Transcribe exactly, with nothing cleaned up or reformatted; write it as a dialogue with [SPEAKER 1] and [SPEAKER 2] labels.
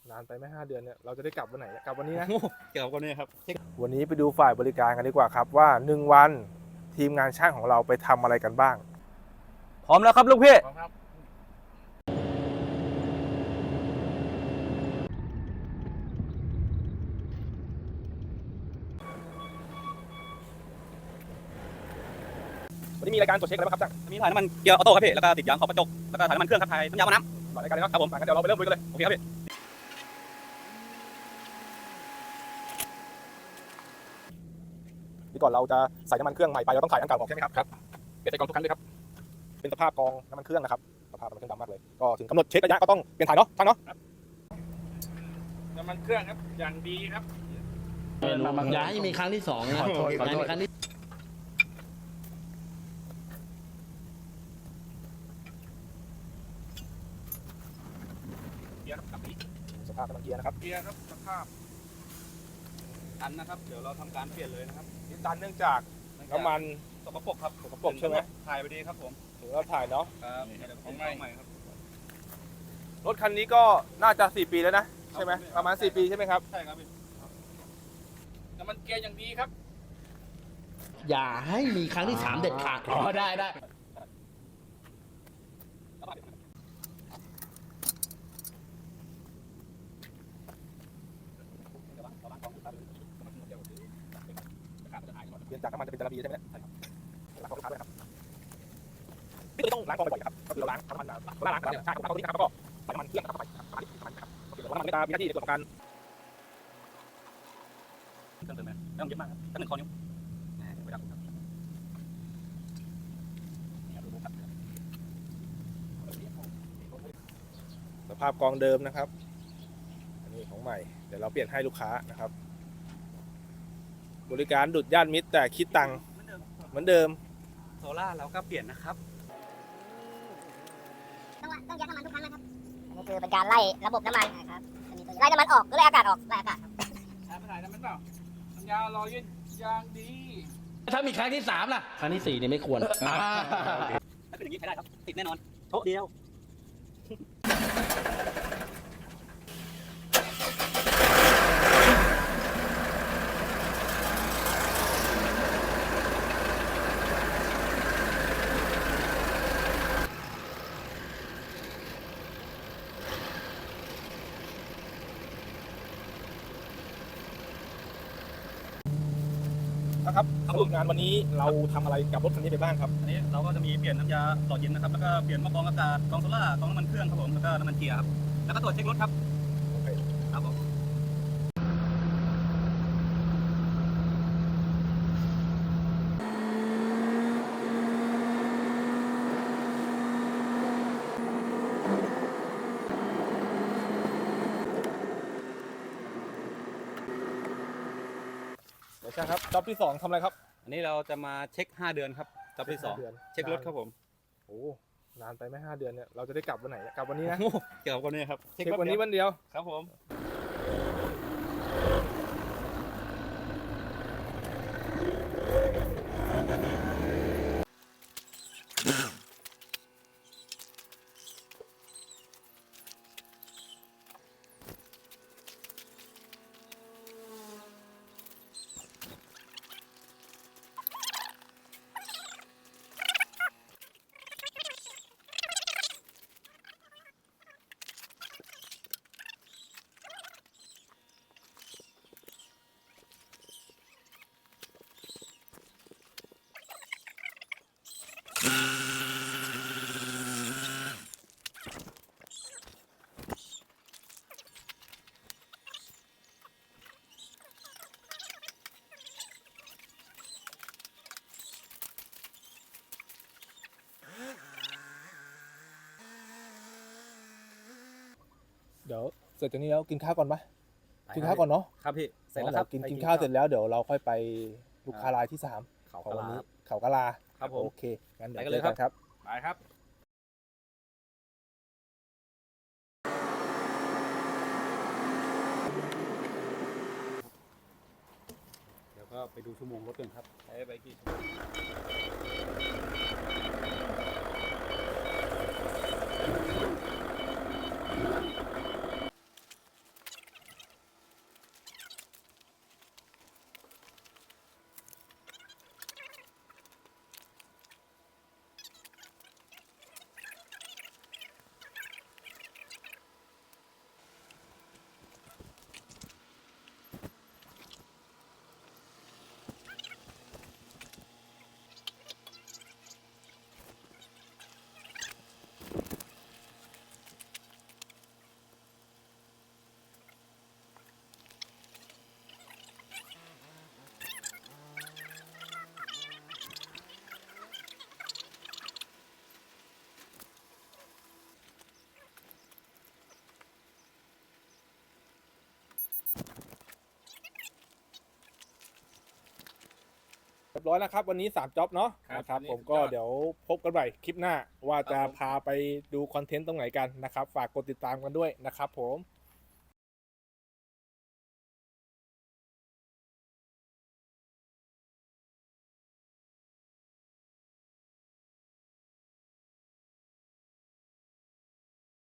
[SPEAKER 1] นานไปไหมห้าเดือนเนี่ยเราจะได้กลับวันไหนกลับวันนี้นะ
[SPEAKER 2] เกี่ยวกับวันนี้ครับ
[SPEAKER 1] วันนี้ไปดูฝ่ายบริการกันดีกว่าครับว่าหนึ่งวันทีมงานช่างของเราไปทำอะไรกันบ้าง
[SPEAKER 2] พร้อมแล้วครับลูกพี่
[SPEAKER 1] พร้อมครับวันนี้มีรายการตรวจเช็คอะไรบ้างครับช่าง
[SPEAKER 2] มีถ่ายน้ำมันเกียร์ออโต้ครับพี่แล้วก็ติดยางขอบกระจกแล้วก็ถ่ายน้ำมันเครื่องครับถ่ายน้ำยาหม้อน้ำ
[SPEAKER 1] ก่อนรายการเลยเนาะครับผมงั้นเดี๋ยวเราไปเริ่มลุยกันเลยโอเคครับพี่ที่ก่อนเราจะใส่น้ำมันเครื่องใหม่ไปเราต้องถ่ายอันเก่าออกใช่ไหมครับครับเปลี่ยนใส่กล่องทุกครั้งด้วยครับเป็นสภาพกองน้ำมันเครื่องนะครับสภาพน้ำมันเครื่องดำมากเลยก็ถึงกำหนดเช็คระยะก็ต้องเปลี่ยนถ่ายเนาะช่างเนาะ
[SPEAKER 3] น้ำมันเครื่องครับอย่างดีครับ
[SPEAKER 4] อย่าให้มีครั้งที่สองนะอย่าให้มีครั้งที่
[SPEAKER 1] เกียร์ครับสภาพน้ำมันเกียร์นะครับ
[SPEAKER 3] เกียร์ครับสภาพ
[SPEAKER 2] ตันนะครับเดี๋ยวเราทำการเปลี่ยนเลยนะครับ
[SPEAKER 1] นี่ตันเนื่องจากน้ำมัน
[SPEAKER 2] สกปรกครับ
[SPEAKER 1] สกปรกใช่ไหม
[SPEAKER 2] ถ่ายไปดีครับผม
[SPEAKER 1] ถึงเราถ่ายเนาะ
[SPEAKER 2] ครับของใหม่ครับ
[SPEAKER 1] รถคันนี้ก็น่าจะสี่ปีแล้วนะใช่ไหมประมาณสี่ปีใช่ไหมครับ
[SPEAKER 2] ใช่ครับ
[SPEAKER 3] น้ำมันเกียร์อย่างดีครับ
[SPEAKER 4] อย่าให้มีครั้งที่สามเด็ดขาดอ๋อได้ได้
[SPEAKER 1] เปลี่ยนจากน้ำมันจะเป็นจาระบีใช่ไหมใช่ครับล้างกองลูกค้าด้วยครับนี่ต้องล้างกองบ่อยๆครับก็คือเราล้างน้ำมันล้างล้างเนี่ยใช่ครับล้างกองนี้ครับแล้วก็ใส่น้ำมันเครื่องเข้าไปครับประมาณนี้ประมาณนี้ครับโอเคแล้วน้ำมันมีหน้าที่ในส่วนของการ
[SPEAKER 2] เครื่องเติมไหมไม่ต้องเยอะมากครับแค่หนึ่งข้อนิ้ว
[SPEAKER 1] สภาพกองเดิมนะครับอันนี้ของใหม่เดี๋ยวเราเปลี่ยนให้ลูกค้านะครับบริการดุดย่านมิตรแต่คิดตังค์เหมือนเดิม
[SPEAKER 2] โซล่าเราก็เปลี่ยนนะครับ
[SPEAKER 5] ต้องต้องยัดน้ำมันทุกครั้งนะครับอันนี้คือเป็นการไล่ระบบน้ำมันนะครับไล่น้ำมันออกหรือไล่อากาศออกไล่อากาศครับ
[SPEAKER 3] ใช้ไม่ได้น้ำมันเปล่าน้ำยาลอยยืดยางดี
[SPEAKER 4] ถ้ามีครั้งที่สามล่ะครั้งที่สี่เนี่ยไม่ควร
[SPEAKER 2] ถ้าเป็นอย่างนี้ใช้ได้ครับติดแน่นอนโต๊ะเดียว
[SPEAKER 1] นะครับสรุปงานวันนี้เราทำอะไรกับรถคันนี้ไปบ้างครับ
[SPEAKER 2] อันนี้เราก็จะมีเปลี่ยนน้ำยาหล่อเย็นนะครับแล้วก็เปลี่ยนหม้อกรองอากาศกรองโซล่ากรองน้ำมันเครื่องครับผมแล้วก็น้ำมันเกียร์ครับแล้วก็ตรวจเช็ครถครับ
[SPEAKER 1] โอเค
[SPEAKER 2] ครับผม
[SPEAKER 1] ใช่ครับจ็อบที่สองทำอะไรครับ
[SPEAKER 2] อันนี้เราจะมาเช็คห้าเดือนครับจ็อบที่สองเช็ครถครับผม
[SPEAKER 1] โอ้นานไปไหมห้าเดือนเนี่ยเราจะได้กลับวันไหนกลับวันนี้นะ
[SPEAKER 2] เกี่ยวกับวันนี้ครับ
[SPEAKER 1] เช็ควันนี้วันเดียว
[SPEAKER 2] ครับผม
[SPEAKER 1] เดี๋ยวเสร็จจากนี้แล้วกินข้าวก่อนปะกินข้าวก่อนเนาะ
[SPEAKER 2] ครับพี่เสร็จแล้วครับ
[SPEAKER 1] กินกินข้าวเสร็จแล้วเดี๋ยวเราค่อยไปลูกค้ารายที่สามของวันนี้เขากะลา
[SPEAKER 2] ครับผม
[SPEAKER 1] โอเคงั้นเดี๋ยวเจอกันครับ
[SPEAKER 3] ไปครับ
[SPEAKER 2] เดี๋ยวก็ไปดูชั่วโมงรถกันครับใช้ไปกี่ชั่วโมง
[SPEAKER 1] เรียบร้อยแล้วครับวันนี้สามจ็อบเนาะ
[SPEAKER 3] ครับ
[SPEAKER 1] นะครับ
[SPEAKER 3] วันนี้
[SPEAKER 1] ผมก็
[SPEAKER 3] สุดยอด
[SPEAKER 1] เดี๋ยวพบกันใหม่คลิปหน้าว่าจะ
[SPEAKER 3] ครับผม
[SPEAKER 1] พาไปดูคอนเทนต์ตรงไหนกันนะครับ ฝากกดติดตามกันด้วยนะครับผม